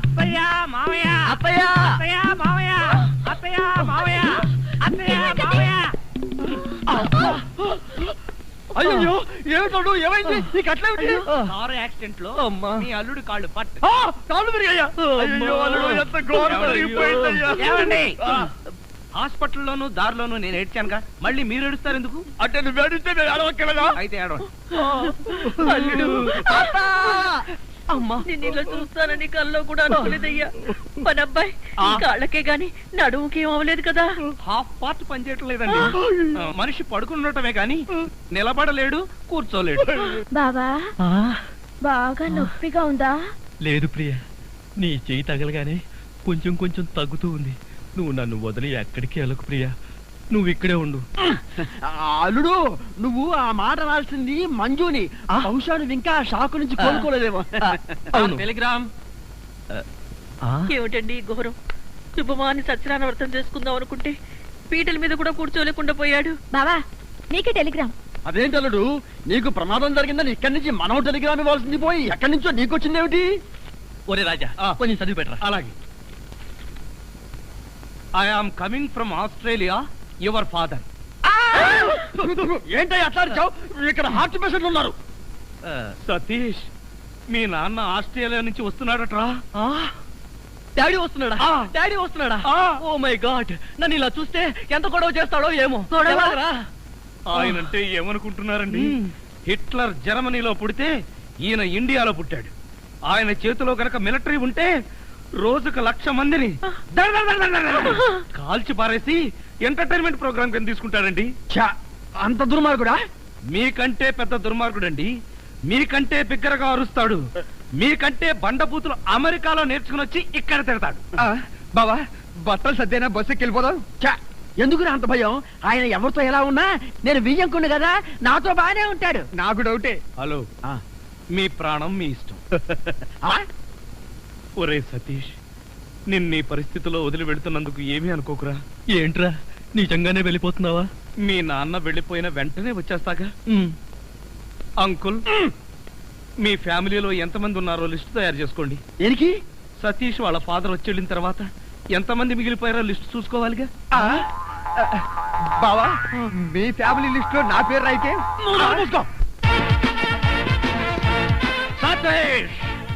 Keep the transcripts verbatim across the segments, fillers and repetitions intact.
అత్తయ్య మావయ్య అత్తయ్య అత్తయ్య మావయ్య అత్తయ్య మావయ్య అత్తయ్య మావయ్య. అయ్యో ఏమిటో ఏమైంది నీకు అట్లేమిటి? కారు యాక్సిడెంట్ లో మీ అల్లుడు కాళ్ళు పట్టు కాళ్ళు విరిగాయ్యా. అయ్యో అల్లుడు ఎంత ఘోరం జరిగిపోయిందయ్యా. ఏమండి హాస్పిటల్లోను దారిలోను నేను ఏడ్చానుగా, మళ్ళీ మీరు ఏడుస్తారు ఎందుకు? అంటే నువ్వు ఏడిస్తే నేను ఏడవక్కలేదా? అయితే ఏడవండి. అల్లుడు అమ్మా నేను ఇలా చూస్తానని కల్లో కూడా అనుకోలేదయ్యా. మన అబ్బాయి కాళ్ళకే గాని నడుముకి ఏం అవ్వలేదు కదా. హాఫ్ పార్ట్ పనిచేయట్లేదండి. మనిషి పడుకున్నటమే గాని నిలబడలేడు, కూర్చోలేడు. బావా బాగా నొప్పిగా ఉందా? లేదు ప్రియ, నీ చెయ్యి తగలగానే కొంచెం కొంచెం తగ్గుతూ ఉంది. నువ్వు నన్ను వదిలి ఎక్కడికి వెళ్ళకు ప్రియా, నువ్వు ఇక్కడే ఉండు. అల్లుడు నువ్వు ఆ మాట రాల్సింది మంజుని. బహుశా నువ్వు ఇంకా షాకు నుంచి కోలుకోలేదేమో. అవును. టెలిగ్రామ్. ఏమిటండి ఘోరం? శుభమాని సత్యనారాయణ వ్రతం చేసుకుందాం అనుకుంటే పీటల మీద కూడా కూర్చోలేకుండా పోయాడు. బావా నీకే టెలిగ్రామ్. అదేంటి అల్లుడు, నీకు ప్రమాదం జరిగిందని ఇక్కడి నుంచి మనం టెలిగ్రామ్ ఇవ్వాల్సింది పోయి ఎక్కడి నుంచో నీకు వచ్చిందేమిటి? ఒరే రాజా కొంచెం చదివి పెట్టరా. అలాగే. I am coming from Australia, your father. ఏంటో అట్లా ఇక్కడ హార్ట్ పేషెంట్లు ఉన్నారు. సతీష్, మీ నాన్న ఆస్ట్రేలియా నుంచి వస్తున్నాడట్రా. డాడీ వస్తున్నాడా? డాడీ వస్తున్నాడా? ఓ మై గాడ్, నన్ను ఇలా చూస్తే ఎంత గొడవ చేస్తాడో ఏమో. ఆయనంటే ఏమనుకుంటున్నారండి? హిట్లర్ జర్మనీలో పుడితే ఈయన ఇండియాలో పుట్టాడు. ఆయన చేతిలో గనక మిలిటరీ ఉంటే రోజుకు లక్ష మందిని కాల్చి పారేసి ఎంటర్టైన్మెంట్ ప్రోగ్రామ్ కింద తీసుకుంటాడండి. అంత దుర్మార్గుడా? మీకంటే పెద్ద దుర్మార్గుడండి. మీకంటే బిగ్గరగా అరుస్తాడు. మీకంటే బండబూతులు అమెరికాలో నేర్చుకుని వచ్చి ఇక్కడ తిడతాడు. బావా బట్టలు సర్దేనా బస్సుకి వెళ్ళిపోదాం. ఎందుకు అంత భయం? ఆయన ఎవరితో ఎలా ఉన్నా నేను వియ్యంకుండు కదా, నాతో బానే ఉంటాడు. నాకు డౌటే. హలో, మీ ప్రాణం మీ ఇష్టం. ఒరే సతీష్, నిన్న ఈ పరిస్థితిలో వదిలి వెళుతున్నందుకు ఏమీ అనుకోకురా. ఏంట్రా నిజంగానే వెళ్ళిపోతున్నావా? మీ నాన్న వెళ్ళిపోయిన వెంటనే వచ్చేస్తాగా. అంకుల్, మీ ఫ్యామిలీలో ఎంతమంది ఉన్నారో లిస్ట్ తయారు చేసుకోండి. దేనికి? సతీష్ వాళ్ళ ఫాదర్ వచ్చి వెళ్ళిన తర్వాత ఎంతమంది మిగిలిపోయారో లిస్ట్ చూసుకోవాలిగా. బావా మీ ఫ్యామిలీ లిస్ట్ లో నా పేరు అయితే సతీష్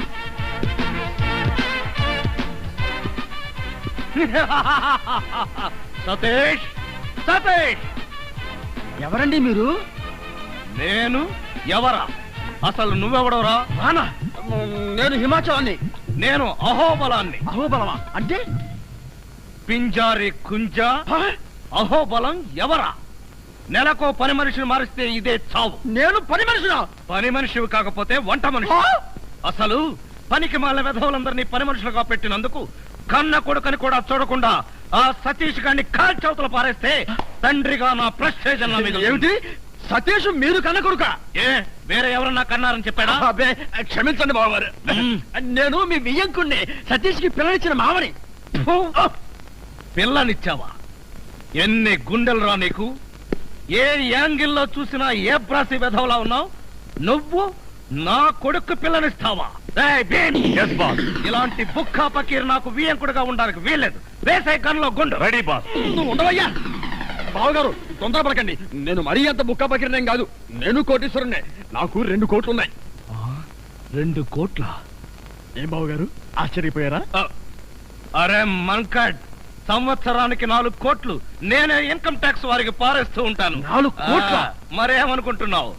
సతీష్ సతీష్ ఎవరండి మీరు? నేను ఎవరా? అసలు నువ్వెవడవరా? రానా? నేను హిమాచలాన్ని. నేను అహోబలాన్ని. అహోబలమా అంటే? పింజారి కుంజ. అహోబలం ఎవరా? నెలకో పని మనిషిని మారిస్తే ఇదే చావు. నేను పని మనిషినా? పని మనిషివి కాకపోతే వంట మనిషి. అసలు పనికి మాల వెధవులందరినీ పని మనుషులుగా పెట్టినందుకు కన్న కొడుకని కూడా చూడకుండా ఆ సతీష్ గారిని కాల్చవతలు పారేస్తే తండ్రిగా నా ప్రెస్టేజ్ ఏమిటి? సతీష్ మీరు కన్న కొడుక? ఏ వేరే ఎవరన్నా కన్నారని చెప్పాడా? అబ్బే క్షమించండి బావగారు, నేను మీ వియ్యంకుణ్ణి, సతీష్ కి పిల్లనిచ్చిన మామని. పిల్లనిచ్చావా? ఎన్ని గుండెలు రా నీకు? ఏ యాంగిల్లో చూసినా ఏ బ్రాసి వెధవలా ఉన్నావు నువ్వు? నా కొడుకు పిల్లనిస్తావా? ఇలాంటి బుక్కా పకీర్ నాకు వియ్యంకుడుగా ఉండడానికి వీల్లేదు. వేసే గన్లో గుండు. Ready boss. నువ్వు ఉండవయ్యా. బావగారు తొందరపడకండి, నేను మరీ అంత బుక్కా పకీర్నేం కాదు. నేను కోటీశ్వరుణ్ణే, నాకు రెండు కోట్లు ఉన్నాయి. రెండు కోట్ల? ఏం బావగారు ఆశ్చర్యపోయారా? అరే మంకడ్, సంవత్సరానికి నాలుగు కోట్లు నేనే ఇన్కమ్ ట్యాక్స్ వారికి పారేస్తూ ఉంటాను. నాలుగు కోట్ల? మరేమనుకుంటున్నావు?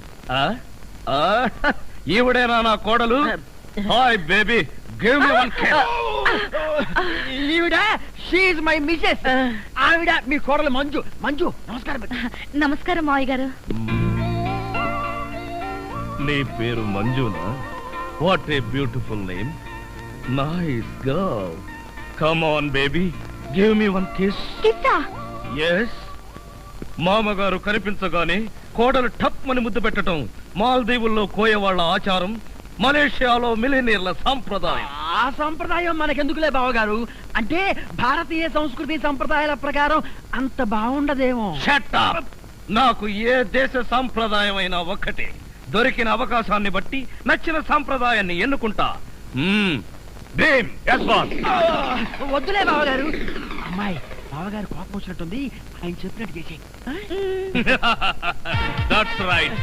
ఈవిడేనా నా కోడలు? Hi baby, give me one kiss. ఈవిడ షీ ఇస్ మై మిసెస్. ఆవిడ మీ కోడలు మంజు. మంజు నమస్కారం. నమస్కారం మావయ్య గారు. నీ పేరు మంజునా? What a beautiful name. Nice girl. Come on baby, give me one kiss. కిస్సా? ఎస్. మామగారు కనిపించగానే కోడలు టప్ అని ముద్దు పెట్టడం మాల్దీవుల్లో కోయవాళ్ల ఆచారం, మలేషియాలో మిలినీర్ల సంప్రదాయం. ఆ సంప్రదాయం మనకెందుకులే బావగారు, అంటే భారతీయ సంస్కృతి సంప్రదాయాల ప్రకారం అంత బాగుండదేమో. Shut up. నాకు ఏ దేశ సంప్రదాయం అయినా ఒక్కటే. దొరికిన అవకాశాన్ని బట్టి నచ్చిన సంప్రదాయాన్ని ఎన్నుకుంటా. Bhim yes boss. వద్దులే బావగారు. అమ్మాయి బావగారు కోపం వచ్చినట్టుంది, ఆయన చెప్పినట్టు చేసి. That's right.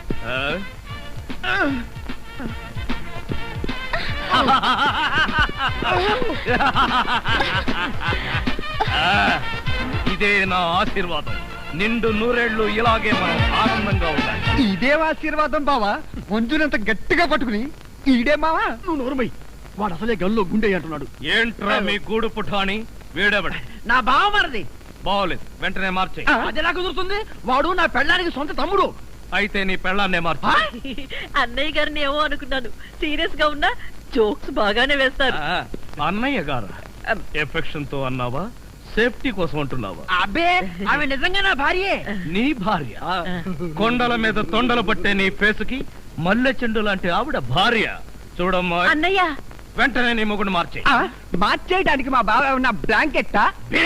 ఇదే నా ఆశీర్వాదం. నిండు నూరేళ్లు ఇలాగే మనం ఆనందంగా ఉండాలి. ఇదే ఆశీర్వాదం బావా. మంజునంత గట్టిగా పట్టుకుని ఈడే మావా. నువ్వు నోరుమై, వాడు అసలే గల్లో గుండె అంటున్నాడు. ఏంట్రా మీ గూడు పుఠాని? వీడెవడు? నా బావ మరది. బాగోలేదు, వెంటనే మార్చే. అది ఎలా కుదురుతుంది? వాడు నా పెళ్ళానికి సొంత తమ్ముడు. అయితే నీ పెళ్ళాన్నే మార్చు. అన్నయ్య గారిని ఏమో అనుకున్నాను, సీరియస్ గా ఉన్నా జోక్స్ బాగానే వేస్తారు. ఆ, అన్నయ్య గారు ఎఫెక్షన్ తో అన్నావా, సేఫ్టీ కోసం అంటున్నావా? అబ్బే, ఆమె నిజంగా నా భార్యే. నీ భార్య? కొండల మీద తొండలు పట్టే నీ ఫేసుకి మల్లె చెండు లాంటి ఆవిడ భార్య. చూడమ్మా, అన్నయ్య వెంటనే నీ మొగుడు మార్చే. ఆ, మార్చేయడానికి మా బావ ఉన్న బ్లాంకెట్టా?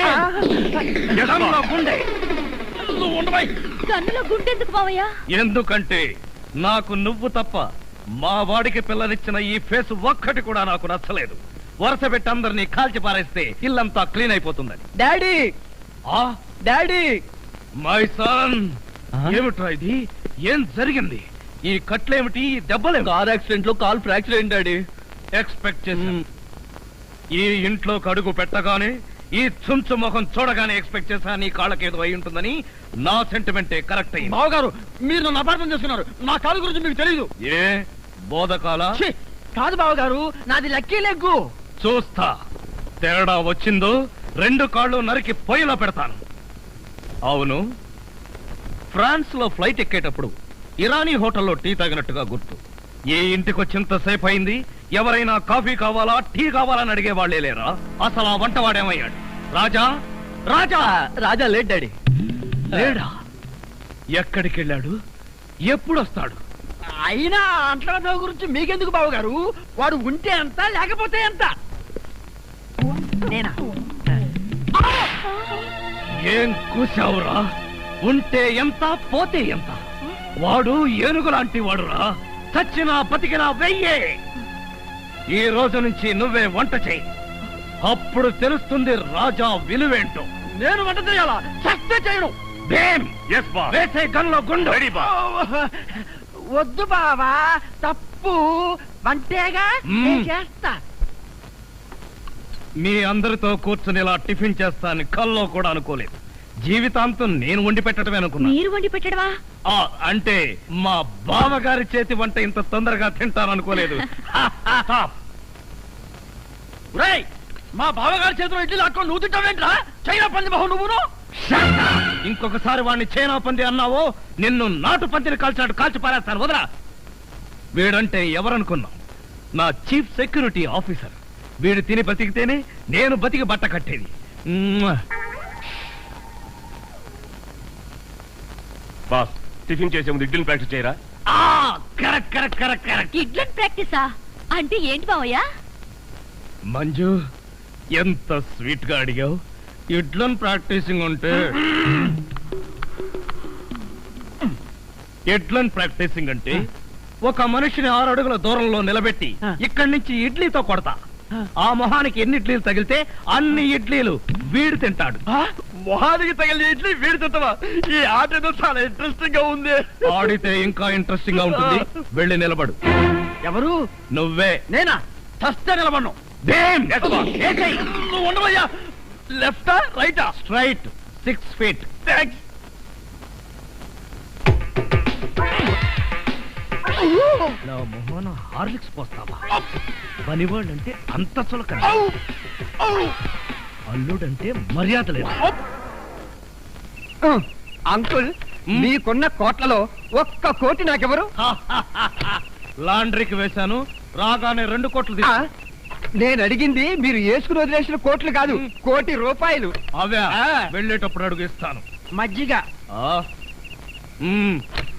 గుండె కన్నులో గుండెందుకు మావయ్య? ఎందుకంటే నాకు నువ్వు తప్ప మా వాడికి పిల్లనిచ్చిన ఈ ఫేస్ ఒక్కటి కూడా నాకు నచ్చలేదు. వరుస పెట్టి అందరినీ కాల్చి పారేస్తే ఇల్లంతా క్లీన్ అయిపోతుందని. డాడీ, ఆ డాడీ, మై సన్, ఏమిట్రా ఇది? ఏం జరిగింది? ఈ కట్లేమిటి, ఈ దెబ్బలేమిటి? కార్ యాక్సిడెంట్ లో కాల్ ఫ్రాక్చర్ అయింది డాడీ. ఎక్స్పెక్ట్ చేశాను. ఈ ఇంట్లోకి అడుగు పెట్టగానే, ఈ చుంచు ముఖం చూడగానే ఎక్స్పెక్ట్ చేశా నీ కాళ్ళకేదో అయి ఉంటుందని. నా సెంటిమెంటే కరెక్ట్ అయింది. బావగారు, మీరు నన్ను అపార్థం చేస్తున్నారు. నా కాలు గురించి మీకు తెలీదు. ఏ బోధకాల? ఛీ, కాదు బావగారు, నాది లక్కీ లెగ్గు. చూస్తా, తేడా వచ్చిందో రెండు కాళ్ళు నరికి పొయ్యిలో పెడతాను. అవును, ఫ్రాన్స్ లో ఫ్లైట్ ఎక్కేటప్పుడు ఇరానీ హోటల్లో టీ తాగినట్టుగా గుర్తు. ఏ ఇంటికి వచ్చింతసేపు అయింది, ఎవరైనా కాఫీ కావాలా, టీ కావాలని అడిగే వాళ్లే లేరా? అసలు ఆ వంటవాడేమయ్యాడు? రాజా, రాజా రాజా లేట్ డాడీ. లేడా? ఎక్కడికి వెళ్ళాడు? ఎప్పుడు వస్తాడు? అయినా అంట్ల గురించి మీకెందుకు బావగారు? వాడు ఉంటే ఎంత, లేకపోతే ఎంత? నేనా? ఏం కూసావురా? ఉంటే ఎంత, పోతే ఎంత? వాడు ఏనుగు లాంటి వాడురా. చచ్చినా బతికినా వెయ్యే. ఈ రోజు నుంచి నువ్వే వంట చెయ్యి, అప్పుడు తెలుస్తుంది రాజా విలువేంటో. నేను వంట చేయాలా? చస్తే చేయను. వేసే గన్లో గుండు. వద్దు బావా, తప్పు. వంటేగా మ్మ్. నేను చేస్తా. మీ అందరితో కూర్చుని ఇలా టిఫిన్ చేస్తానని కల్లో కూడా అనుకోలేదు. జీవితాంతం నేను వండి పెట్టడమే అనుకున్నా. మీరు వండి పెట్టడమా? ఆ, అంటే మా బావగారి చేతి వంట ఇంత తొందరగా తింటాననుకోలేదు. రేయ్, మా బావగారి చేతిలో ఇడ్లీ లాక్కొని నువ్వు తింటావేంట్రా? చైనా పంది బాహు నువ్వును. ఇంకొకసారి వాడిని చైనా పంది అన్నావో నిన్ను నాటు పందిని కాల్చినట్టు కాల్చి పారేస్తాను. వదరా. వీడంటే ఎవరనుకున్నావు? నా చీఫ్ సెక్యూరిటీ ఆఫీసర్. వీడు తిని బతికితేనే నేను బతికి బట్ట కట్టేది. బాస్, టిఫిన్ చేసే ముందు ఇడ్లీని ప్రాక్టీస్ చేయరా? Correct correct correct correct. ఇడ్లన్ ప్రాక్టీసా అంటే ఏంటి మావయ్య? మంజు, ఎంత స్వీట్ గా అడిగావు. ఇడ్లన్ ప్రాక్టీసింగ్ ఉంటే ఎడ్లన్ ప్రాక్టీసింగ్ అంటే ఒక మనిషిని ఆరు అడుగుల దూరంలో నిలబెట్టి ఇక్కడి నుంచి ఇడ్లీతో కొడతా. ఆ మొహానికి ఎన్ని ఇడ్లీలు తగిలితే అన్ని ఇడ్లీలు వీడు తింటాడు. మొహానికి తగిలిన ఇడ్లీ వీడి తింటావా? ఈ ఆట ఏదో చాలా ఇంట్రెస్టింగ్ గా ఉంది. ఆడితే ఇంకా ఇంట్రెస్టింగ్ గా ఉంటుంది. వెళ్ళి నిలబడు. ఎవరు? నువ్వే. నేనా? చస్తే నిలబడ్ను. నువ్వు ఉండవయ్యా. లెఫ్టా రైటా? Straight six feet. థాంక్స్. నా మొహన హార్లిక్స్ పోస్తావా? పనివాళ్ళంటే అంత చులకన, అల్లుడంటే మర్యాద లేదు. అంకుల్, మీకున్న కోట్లలో ఒక్క కోటి నాకెవరు? లాండ్రీకి వేశాను, రాగానే రెండు కోట్లు ఆ, తీసు. నేను అడిగింది మీరు వేసుకుని వదిలేసిన కోట్లు కాదు, కోటి రూపాయలు. అవే ఆ. వెళ్ళేటప్పుడు అడుగు ఇస్తాను. మజ్జిగ. ఆ. మ్మ్.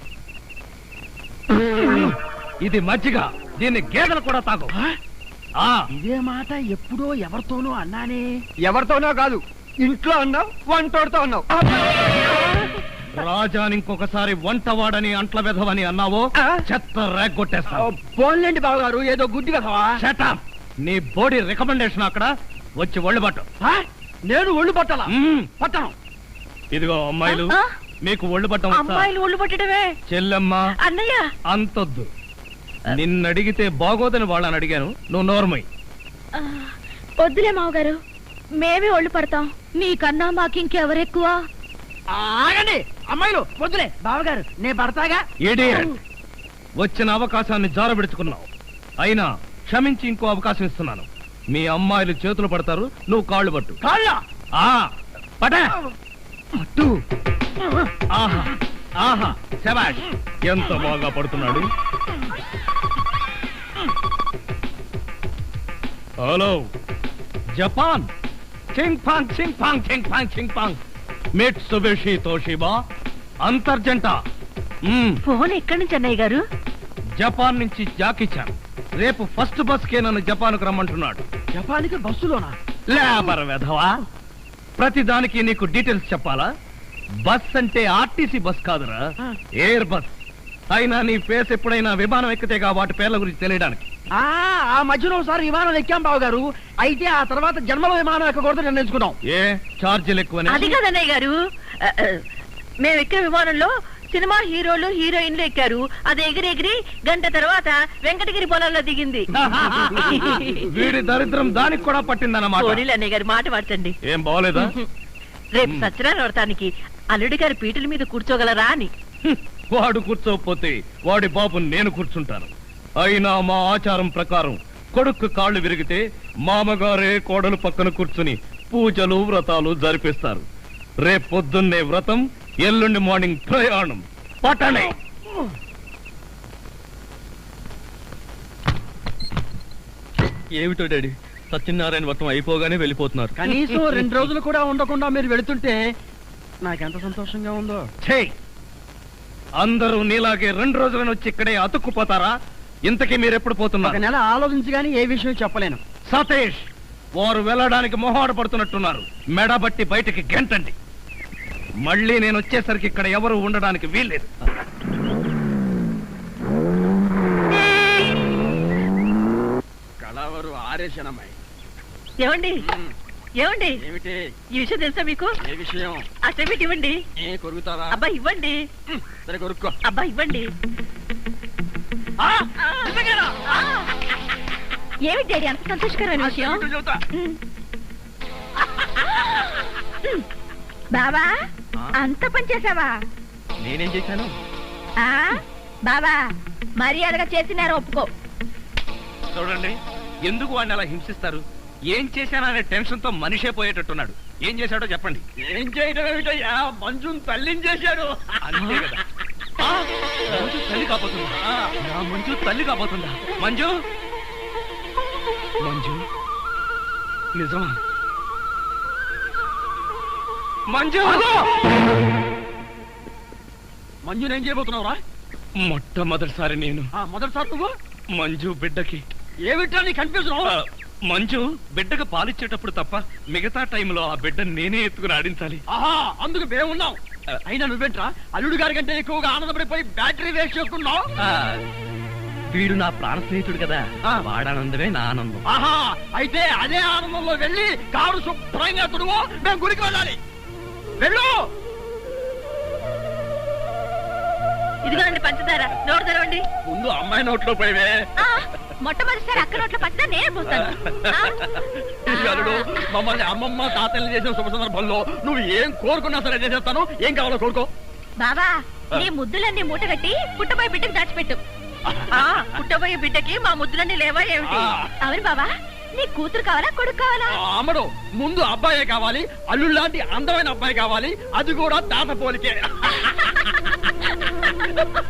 ఇది మజ్జిగ, దీన్ని గేదెలు కూడా తాగు. ఆ. ఇదే మాట ఎప్పుడో ఎవరితోనో అన్నానే. ఎవరితోనో కాదు, ఇంట్లో అన్నావు, వంటోడుతో అన్నావు. రాజాని ఇంకొకసారి వంట వాడని అంట్ల వెధవని అన్నావో ఆ? చెత్త రేగొట్టేస్తావు. పోన్లేండి బావగారు, ఏదో గుడ్డి కదవా. Shut up. నీ బోడీ రికమెండేషన్ అక్కడ వచ్చి ఒళ్ళు పట్టు. ఆ? నేను ఒళ్ళు పట్టాలా? మ్మ్. పట్టను. ఇదిగో అమ్మాయిలు, ఆ? మీకు ఒళ్ళు పట్టం వస్తా? అమ్మాయిలు ఒళ్ళు పట్టడమే. చెల్లెమ్మ అన్నయ్య అంతొద్దు. నిన్నడిగితే బాగోదని వాళ్ళని అడిగాను, నువ్వు నోర్మై. ఆ, వద్దులే మావగారు, మేమే ఒళ్ళు పడతాం. నీకన్నా మాకింకెవరెక్కువ? ఆగండి అమ్మాయిలు, వద్దులే బావగారు, నేను పడతాగా. ఇడియట్. వచ్చిన అవకాశాన్ని జారబెడుచుకున్నావు. అయినా క్షమించి ఇంకో అవకాశం ఇస్తున్నాను. మీ అమ్మాయిలు చేతులు పడతారు, నువ్వు కాళ్ళు పట్టు. కాళ్ళ ఆ పట పట్టు. ఆహా ఆహా, శభాష్, ఎంత బాగా పడుతున్నాడు. హలో జపాన్, చింగ్ పాంగ్ చింగ్ పాంగ్ చింగ్ పాంగ్ చింగ్ పాంగ్, మిట్సుబిషి తోషిబా, అంతర్జంట. మ్మ్. ఫోన్ ఎక్కడి నుంచి అన్నయ్య గారు? జపాన్ నుంచి జాకిచాన్ రేపు ఫస్ట్ బస్ కే నన్ను జపాన్కు రమ్మంటున్నాడు. జపానికి బస్సులోనా? లేబర్ వెధవా, ప్రతి దానికి నీకు డీటెయిల్స్ చెప్పాలా? బస్ అంటే ఆర్టీసీ బస్ కాదురా, ఎయిర్ బస్. అయినా నీ ఫేస్ ఎప్పుడైనా విమానం ఎక్కితేగా వాటి పేర్ల గురించి తెలియడానికి. ఆ ఆ మధ్యలో ఒకసారి విమానం ఎక్కాం బావగారు. అయితే ఆ తర్వాత జన్మలో విమానం ఎక్కకూడదు నిర్ణయించుకున్నాం. ఏ ఛార్జీలు ఎక్కువనే? అది కాదన్నయ్య గారు, ఆ, ఆ, మేము ఎక్కే విమానంలో సినిమా హీరోలు హీరోయిన్లు ఎక్కారు. అది ఎగిరి ఎగిరి గంట తర్వాత వెంకటగిరి పొలంలో దిగింది. వీడి దరిద్రం దానికి కూడా పట్టిందన్నమాట. పోనీలు అన్నయ్య గారు, మాట పడతండి. ఏం బాగోలేదా? రేపు సత్యనారాయణ వ్రతానికి అల్లుడి గారి పీటల మీద కూర్చోగలరా అని. హ్మ్, వాడు కూర్చోకపోతే వాడి బాబు నేను కూర్చుంటాను. అయినా మా ఆచారం ప్రకారం కొడుకు కాళ్ళు విరిగితే మామగారే కోడలు పక్కన కూర్చుని పూజలు వ్రతాలు జరిపిస్తారు. రేపు పొద్దున్నే వ్రతం, ఎల్లుండి మార్నింగ్ ప్రయాణం. పట్టణే. ఏమిటో డాడీ, సత్యనారాయణ వ్రతం అయిపోగానే వెళ్ళిపోతున్నారు. కనీసం రెండు రోజులు కూడా ఉండకుండా మీరు వెళుతుంటే నాకెంత సంతోషంగా ఉందో. ఛే! అందరూ నీలాగే రెండు రోజులను వచ్చి ఇక్కడే అతుక్కుపోతారా? ఇంతకీ మీరెప్పుడు ఒక పోతున్నారు? నెల ఆలోచించి గానీ ఏ విషయం చెప్పలేను. సతీష్, వారు వెళ్ళడానికి మొహాడు పడుతున్నట్టున్నారు. మెడబట్టి బయటికి గెంటండి. మళ్ళీ నేను వచ్చేసరికి ఇక్కడ ఎవరు ఉండడానికి వీల్లేదు. కళావరు ఆరేషనమ్మాయి. ఏమండి ఏమండి ఏమిటి? ఈ విషయం తెలుసా మీకు? ఏ విషయం? ఆ చెవిటి ఇవ్వండి. ఏ కొరుకుతారా? అబ్బా ఇవ్వండి. సరే కొరుక్కో. అబ్బా ఇవ్వండి. ఆ! నిజంగానా? ఆ! ఏమిటి డాడీ అంత సంతోషకరమైన విషయం? ఏమిటో చెబుతా. బాబా, అంత పని చేసావా? నేనేం చేశాను? ఆ బాబా, మర్యాదగా చేసినారు ఒప్పుకో. చూడండి, ఎందుకు వాడిని అలా హింసిస్తారు? ఏం చేశాననే టెన్షన్ తో మనిషే పోయేటట్టున్నాడు. ఏం చేశాడో చెప్పండి. ఏం చేయడం ఏమిటయ్యా? మంజుని తల్లిని చేశాడు. అంతే కదా. ఆ, మంజు తల్లి కాబోతుందా? నా మంజు తల్లి కాబోతుందా? మంజు మంజు నిజమా? మంజు మంజుని ఏం చేయబోతున్నావురా? మొట్టమొదటిసారి నేను ఆ, మొదటిసారి నువ్వు మంజు బిడ్డకి ఏమిటా నీ కన్ఫ్యూజన్? ఆ, మంజు బిడ్డకు పాలిచ్చేటప్పుడు తప్ప మిగతా టైంలో ఆ బిడ్డను నేనే ఎత్తుకుని ఆడించాలి. ఆహా, అందుకు మేమున్నాం. అయినా నువ్వేంట్రా అల్లుడు గారి కంటే ఎక్కువగా ఆనందపడిపోయి బ్యాటరీ వేస్ట్ చేసుకున్నావు? ఆ, వీడు నా ప్రాణ స్నేహితుడు కదా, వాడానందమే నా ఆనందం. ఆహా, అయితే అదే ఆనందంలో వెళ్ళి కారు శుభ్రంగా తుడువు, మేము గుడికి వెళ్ళాలి. వెళ్ళు. ఇదిగోండి పంచదార, నోరు తెరవండి. ముందు అమ్మాయి నోట్లో పోయివే. ఆ, మొట్టమొదటిసారి అక్క నోట్లో పచ్చినా నేనే పోస్తాను. ఆ? అల్లుడు, మమ్మల్ని అమ్మమ్మ తాతల్ని చేసిన శుభ సందర్భంలో నువ్వు ఏం కోరుకున్నా సరే చేసేస్తాను. ఏం కావాలో కోరుకో. బాబా, నీ ముద్దులన్నీ మూట కట్టి పుట్టబోయే బిడ్డకు దాచిపెట్టు. ఆ, పుట్టబోయే బిడ్డకి మా ముద్దులన్నీ లేవా ఏమిటి? అవును బాబా, నీ కూతురు కావాలా కొడుకు కావాలా? అమ్మడు, ముందు అబ్బాయే కావాలి. అల్లుడు లాంటి అందమైన అబ్బాయి కావాలి. అది కూడా తాత పోలికే.